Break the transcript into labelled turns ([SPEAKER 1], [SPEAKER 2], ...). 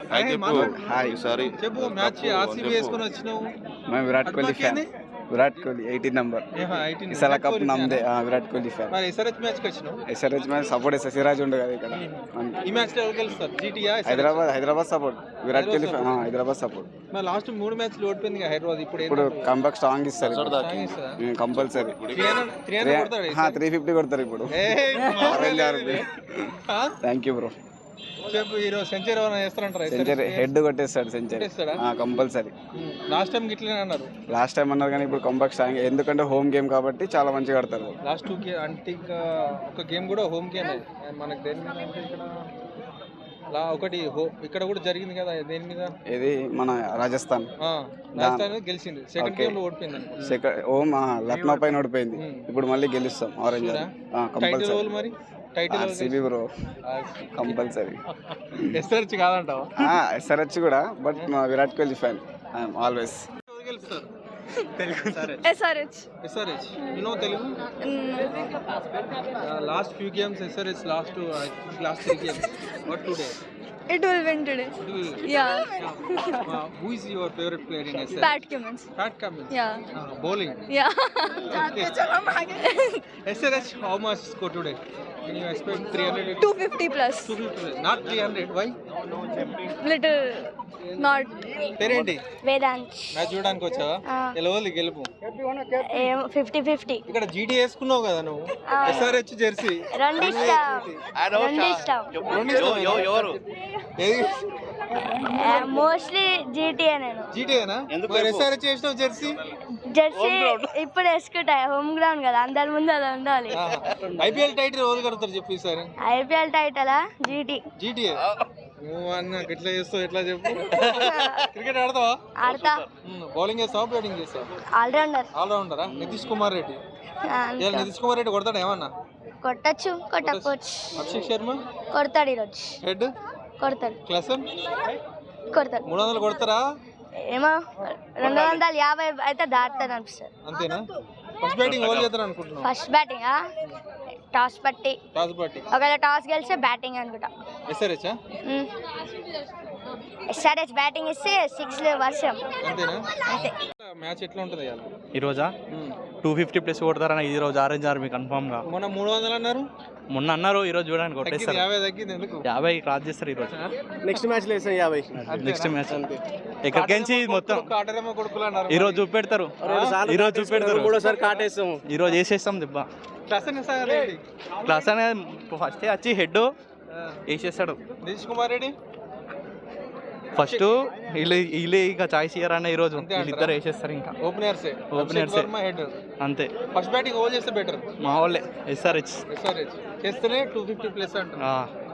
[SPEAKER 1] Hi
[SPEAKER 2] sorry
[SPEAKER 3] చెప్పు match RCB వేసుకొని వచ్చినావు.
[SPEAKER 1] मैं विराट कोहली फैन विराट कोहली 18 नंबर ఇసాల కప్ నమ్దే విరాట్ కోహ్లీ ఫ్యాన్
[SPEAKER 3] మరి ఎస్ఆర్హెచ్ మ్యాచ్ కి వచ్చినావు.
[SPEAKER 1] ఎస్ఆర్హెచ్ మ్యాచ్ సపోర్ట్ చేస్తా సిరాజ్ ఉండే కదా ఇక్కడ
[SPEAKER 3] ఈ మ్యాచ్ లో ఎవరు గెలుస్తారు? జీటీయా
[SPEAKER 1] Hyderabad support Virat Kohli fan Hyderabad support.
[SPEAKER 3] మరి లాస్ట్ 3 మ్యాచ్లు ఓడిపోయింది హైదరాబాద్.
[SPEAKER 1] ఇప్పుడు కంబ్యాక్ స్ట్రాంగ్ ఇస్తారు కంపల్సరీ 350 కొడతారు ఇప్పుడు. Thank you bro.
[SPEAKER 3] చెప్పు ఈరోజు సెంచరీ ఏమైనా చేస్తారంటారా?
[SPEAKER 1] సెంచరీ హెడ్ కొట్టేస్తాడు సెంచరీ కంపల్సరీ.
[SPEAKER 3] లాస్ట్ టైం ఇట్లనే అన్నారు.
[SPEAKER 1] లాస్ట్ టైం అన్నారు కానీ ఇప్పుడు కంబ్యాక్ స్ట్రాంగ్ ఎందుకంటే హోమ్ గేమ్ కాబట్టి చాలా మంచిగా ఆడతారు.
[SPEAKER 3] లాస్ట్ 2 గేమ్ అంటే ఇంకా ఒక గేమ్ కూడా హోమ్ గేమ్ మనకు దేని మీద అంటే ఇక్కడ ఒకటి ఇక్కడ కూడా జరిగింది కదా దేని మీద
[SPEAKER 1] ఇది మన రాజస్థాన్
[SPEAKER 3] గెలిచింది. సెకండ్ గేమ్ లో ఓడిపోయింది.
[SPEAKER 1] హోమ్ లక్నో పైన ఓడిపోయింది. ఇప్పుడు మళ్ళీ గెలుస్తాం ఆరెంజ్ కంపల్సరీ.
[SPEAKER 3] మరి title
[SPEAKER 1] RCB bro compulsory.
[SPEAKER 3] SRH కాదంటావా?
[SPEAKER 1] ఎస్ఆర్హెచ్ కూడా but Virat Kohli fan I'm always.
[SPEAKER 3] SRH. You know Telugu? Last few games SRH last 3 games. What today?
[SPEAKER 4] It will win today. Yeah.
[SPEAKER 3] Who is your favorite player in SRH?
[SPEAKER 4] Pat Cummins. Yeah.
[SPEAKER 3] Bowling.
[SPEAKER 4] Yeah.
[SPEAKER 3] SRH how much score today? Can you expect 300?
[SPEAKER 4] 250 plus.
[SPEAKER 3] 250. Not 300. Why?
[SPEAKER 4] Little not.
[SPEAKER 3] పేరేంటి?
[SPEAKER 4] Vedant.
[SPEAKER 3] Match చూడడానికి వచ్చావా? ఎలవలి గెలుపు
[SPEAKER 4] 50-50.
[SPEAKER 3] ఇక్కడ GT వేసుకున్నావు కదా నువ్వు. SRH jersey
[SPEAKER 4] రెండు ఇష్టం. మోస్ట్లీ జీటీఏ. నేను
[SPEAKER 3] జీటీఏనా? మరి SRH వేసినావు జెర్సీ
[SPEAKER 4] ఇప్పుడు వేసుకుంటా. హోమ్ గ్రౌండ్ కదా అందరి ముందు అలా ఉండాలి.
[SPEAKER 3] ఐపీఎల్ టైటిల్ ఎవరు కడతారు చెప్పు ఈసారి?
[SPEAKER 4] ఐపీఎల్ టైటిలా
[SPEAKER 3] జీటీఏ. నువ్వు అన్న ఎట్లా చేస్తావు ఎట్లా చెప్పు. క్రికెట్ ఆడతావా?
[SPEAKER 4] ఆడతా.
[SPEAKER 3] బౌలింగ్ చేస్తావా బ్యాటింగ్ చేస్తావా?
[SPEAKER 4] ఆల్రౌండరా?
[SPEAKER 3] నితీష్ కుమార్ రెడ్డి. నితీష్ కుమార్ రెడ్డి కొడతాడు ఏమన్నా?
[SPEAKER 4] కొట్టచ్చు కొట్టకపోవచ్చు.
[SPEAKER 3] అభిషేక్ శర్మ
[SPEAKER 4] కొడతాడు ఈరోజు.
[SPEAKER 3] హెడ్
[SPEAKER 4] కొడతాడు.
[SPEAKER 3] క్లాసన్
[SPEAKER 4] కొడతాడు.
[SPEAKER 3] 300 కొడతారా?
[SPEAKER 4] ఏమో 250 అయితే దాటుతాను అనిపిస్తుంది.
[SPEAKER 3] అంతేనా? ఫస్ట్ బ్యాటింగ్ ఎవరు చేస్తారు అనుకుంటున్నావు?
[SPEAKER 4] ఫస్ట్ బ్యాటింగ్ టాస్ పట్టి ఒకవేళ టాస్ గెలిస్తే బ్యాటింగ్ అనుకుంటా. ఎస్ఆర్హెచ్ బ్యాటింగ్ ఇస్తే 6 వర్షం.
[SPEAKER 3] అంతేనా? అంతే. మ్యాచ్ ఎట్లా ఉంటుంది
[SPEAKER 5] ఈ రోజా? 250 ప్లస్ కొడతారన్న ఈ రోజు ఆరెంజ్ ఆర్మీ కన్ఫర్మ్ గా.
[SPEAKER 3] మొన్న 300 అన్నారు.
[SPEAKER 5] మొన్న అన్నారు ఈ రోజు చూడడానికి కొట్టేస్తారు.
[SPEAKER 3] 50 తగ్గింది ఎందుకు?
[SPEAKER 5] 50 క్రాస్ చేస్తారు ఈ రోజు.
[SPEAKER 1] నెక్స్ట్ మ్యాచ్ లో 50.
[SPEAKER 5] నెక్స్ట్ మ్యాచ్ ఎక్కడికెంచి మొత్తం ఈ రోజు చూపెడతారు.
[SPEAKER 1] మూడోసారి కాటేస్తాం.
[SPEAKER 5] ఈ రోజు వేసేస్తాం దెబ్బ. క్లాస్ అనేది ఫస్ట్ వచ్చి హెడ్ వేసేస్తాడు.
[SPEAKER 3] నితీష్ కుమార్ రెడ్డి
[SPEAKER 5] ఫస్ట్ వీళ్ళు ఇంకా చాయిస్ ఇయ్యారన్న ఈ రోజు వీళ్ళిద్దరు వేసేస్తారు. ఇంకా ఓపెనర్స్ అంతే.
[SPEAKER 3] ఫస్ట్ బ్యాటింగ్ ఓవర్ చేస్తే బెటర్.
[SPEAKER 5] మా వాళ్ళే SRH
[SPEAKER 3] చేస్తేనే 250 ప్లస్ అంటారు.